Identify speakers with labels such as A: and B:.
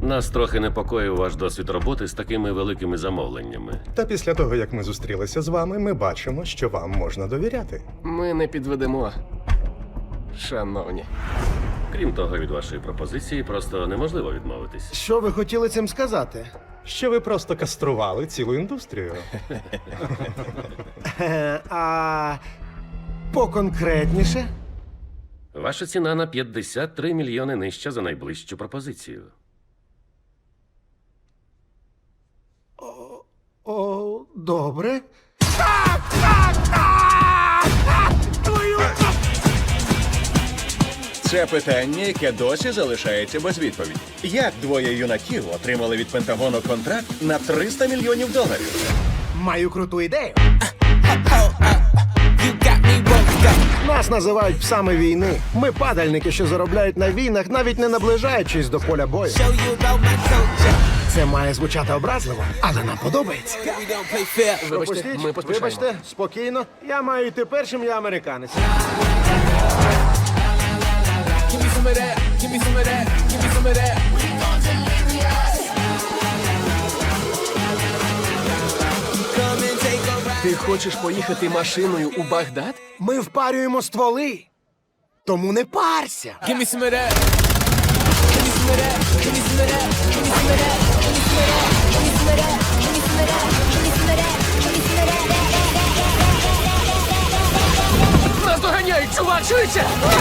A: Нас трохи непокоїв ваш досвід роботи з такими великими замовленнями.
B: Та після того, як ми зустрілися з вами, ми бачимо, що вам можна довіряти.
C: Ми не підведемо, шановні.
A: Крім того, від вашої пропозиції просто неможливо відмовитись.
D: Що ви хотіли цим сказати?
B: Що ви просто кастрували цілу індустрію.
D: А поконкретніше?
A: Ваша ціна на 53 мільйони нижча за найближчу пропозицію.
D: О, добре.
E: Це питання, яке досі залишається без відповіді. Як двоє юнаків отримали від Пентагону контракт на $300 мільйонів?
D: Маю круту ідею. Нас називають псами війни. Ми падальники, що заробляють на війнах, навіть не наближаючись до поля бою. Це має звучати образливо, але нам подобається.
C: Вибачте, ми поспішаємо.
D: Вибачте, спокійно. Я маю йти першим, я американець.
C: Ти хочеш поїхати машиною у Багдад?
D: Ми впарюємо стволи. Тому не парся.
F: Give me some of that. Give me some of that. Give me some of that. Give me some of that. Give me some of that. Give me some of that. Give me some of that. Give me some of that. Give me some of that.
C: Нас доганяють, чувак, швидше!